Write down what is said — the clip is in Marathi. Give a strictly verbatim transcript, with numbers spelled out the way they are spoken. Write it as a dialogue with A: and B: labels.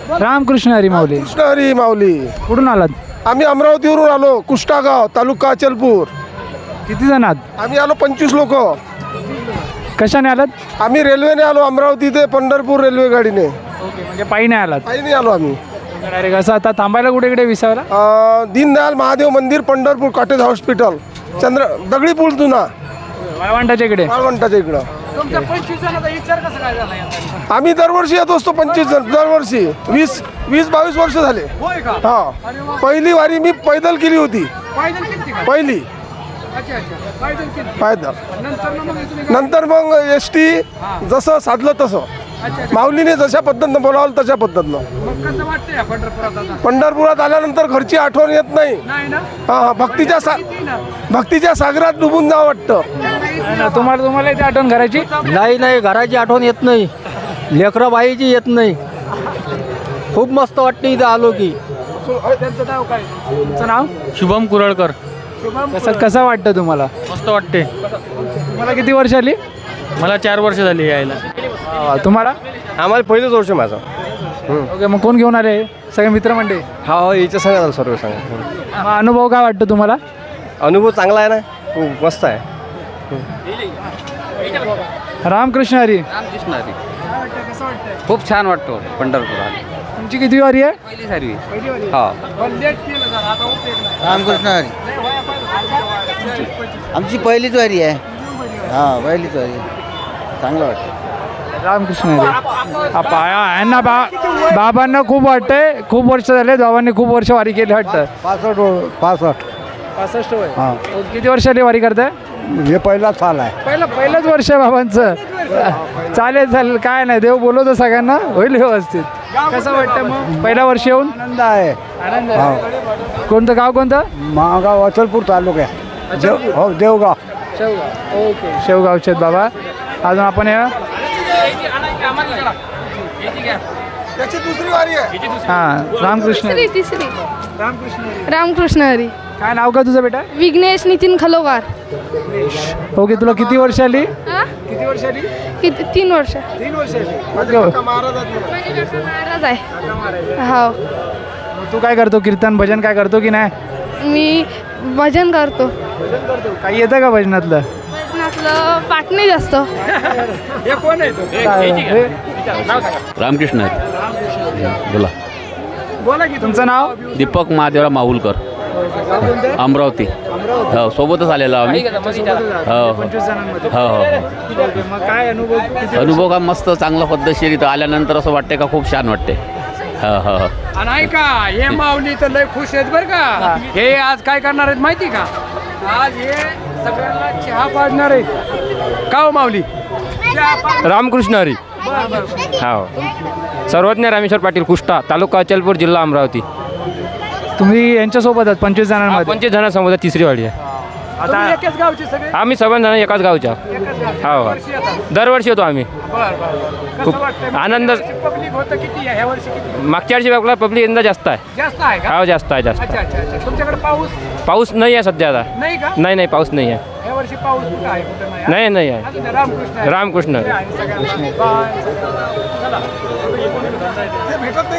A: रामकृष्ण हरी माऊली.
B: कृष्ण हरी माऊली.
A: कुठून आलात?
B: आम्ही अमरावतीवरून आलो, कुष्टागाव तालुका अचलपूर.
A: किती जण आहात?
B: आम्ही आलो पंचवीस लोक.
A: कशाने आलात?
B: आम्ही रेल्वेने आलो, अमरावती ते पंढरपूर रेल्वे गाडीने.
A: ओके, म्हणजे पायी नाही आलात
B: काही नाही आलो आम्ही.
A: डायरेक्ट असं. आता थांबायला कुठे कुठे विसावला?
B: अं, दीनदयाल महादेव मंदिर पंढरपूर, कॉटेज हॉस्पिटल, चंद्र दगडी पूल जुना,
A: वाळवंटाच्या इकडे.
B: मालवंटाच्या इकडं.
A: तुमचा पंचवीस जणांचा विचार कसा काय झाला?
B: आम्ही दरवर्षी येत असतो, पंचवीस जण दरवर्षी. वीस वीस बावीस वर्ष झाले.
A: होय का?
B: हा, पहिली वारी मी पैदल केली होती.
A: पायदल किती का?
B: पहिली
A: अच्छा अच्छा, पायदल किती?
B: पैदल.
A: नंतर मग तुम्ही
B: नंतर मग एस टी जसं साधलं तसं,
A: अच्छा.
B: माऊलीने जशा पद्धतीनं बोलावलं तशा पद्धतीनं.
A: मग कसं वाटतंय या पंढरपुरात आता?
B: पंढरपुरात आल्यानंतर घरची आठवण येत नाही.
A: नाही ना?
B: हा हा, भक्तीच्या सा
A: किती ना?
B: भक्तीच्या सागरात डुबून जावं वाटतं.
A: नाही ना, तुम्हाला तुम्हाला इथे आठवण करायची?
C: नाही नाही, घराची आठवण येत नाही, लेकरं बाईची येत नाही. खूप मस्त वाटते इथं आलो की.
A: त्यांचं नाव काय? तुमचं नाव?
D: शुभम कुरळकर.
A: कसं कसं वाटतं तुम्हाला?
D: मस्त वाटते.
A: तुम्हाला किती वर्ष आली?
D: मला चार वर्ष झाली यायला.
A: वा, तुम्हाला?
B: आम्हाला पहिलंच वर्ष माझं.
A: ओके, मग कोण घेऊन आले? सगळे मित्रमंडळी?
B: हा हो, याच्या सांगा सर्व सांगा.
A: मग अनुभव काय वाटतं तुम्हाला?
B: अनुभव चांगला आहे ना, खूप मस्त आहे.
A: रामकृष्ण हरी.
E: रामकृष्ण हरी.
A: कसं वाटतंय?
E: खूप छान वाटतो पंढरपुरात.
A: तुमची किती वारी आहे?
E: पहिली सारवी.
A: पहिली
E: हा.
C: रामकृष्ण हरी. आमची पहिलीच वारी आहे. हां, पहिलीच वारी आहे. चांगलं वाटतं.
A: रामकृष्ण हरी. हा, पाया यांना बा बाबांना खूप वाटतंय. खूप वर्ष झाले, बाबांनी खूप वर्ष वारी केली वाटतं.
C: पासष्ट पासष्ट
A: पासष्ट वय.
C: हां,
A: किती वर्षाली वारी करताय?
C: हे पहिला साल आहे.
A: पहिलं पहिलंच वर्ष आहे बाबांचं. चालेल चालेल, काय नाही, देव बोलवतो सगळ्यांना, होईल व्यवस्थित. कसं वाटतं मग पहिल्या वर्षी येऊन?
C: आनंद आहे.
A: आनंद
C: हो.
A: आहे. कोणतं गाव कोणतं?
C: महागाव अचलपूर तालुका आहे. देव हो देवगाव.
A: शेवगाव. ओके, शेवगावचे आहेत बाबा. अजून आपण या.
B: त्याची दुसरी वारी आहे.
A: हां, रामकृष्ण
F: तिसरी
A: हरी.
F: तिसरी
A: रामकृष्ण हरी.
F: रामकृष्ण हरी.
A: काय नाव का तुझं बेटा?
F: विघ्नेश नितीन खलोगार.
A: ओके, तुला किती वर्ष आली?
F: हा?
A: किती वर्ष आली?
F: किती तीन वर्ष.
A: तीन वर्ष आली.
F: माझे काका महाराज आहे. हो,
A: तू काय करतो? कीर्तन भजन काय करतो की नाही?
F: मी भजन करतो.
A: भजन करतो. काही येतं का भजनातलं?
F: भजनातलं पाठ नाही जास्त.
A: हे कोण आहे तो?
E: रामकृष्ण हरी. बोला.
A: बोला की तुमचं नाव?
E: दीपक महादेवराव माहुलकर,
A: गाव कोणतं?
E: अमरावती.
A: अमरावती.
E: हो, सोबतच आलेलो आम्ही. हो.
A: पंचवीस जणांमध्ये.
E: हो हो.
A: ओके, मग काय अनुभव? किती-
E: अनुभव का मस्त, चांगला पद्धतशीर. इथं आल्यानंतर असं वाटते का खूप छान वाटते. हो हो हो.
G: आणि ऐका, हे माऊली तर लय खुश आहेत बरं का. हे आज काय करणार आहेत माहिती का? आज हे सगळ्यांना चहा पाजणार आहेत. का हो माऊली?
D: रामकृष्ण हरी. हो. सर्वज्ञ रामेश्वर पाटील, कुष्टा, तालुका अचलपूर, जिल्हा अमरावती.
A: तुम्ही यांच्यासोबत आहात पंचवीस जणांमध्ये?
D: पंचवीस जणांसमोर तिसरी वाडी आहे.
A: आता
G: एकाच गावचे सगळे.
D: आम्ही सर्व जण एकाच गावच्या. हो हो. दरवर्षी येतो आम्ही. खूप आनंद.
G: पब्लिक होतं किती आहे? ह्या वर्षी किती
D: मागच्या वर्षी आपला पब्लिक यंदा जास्त आहे.
G: जास्त आहे का?
D: हो, जास्त आहे जास्त.
G: अच्छा अच्छा अच्छा. तुमच्याकडे पाऊस
D: पाऊस नाही आहे सध्या आता.
G: नाही का?
D: नाही नाही, पाऊस नाही आहे.
G: ह्या वर्षी पाऊस कुठं आहे कुठं नाही?
D: नाही नाही आहे.
G: अजून रामकृष्ण हरी.
D: रामकृष्ण हरी.
G: आहे सगळ्यांना. बाय. चला.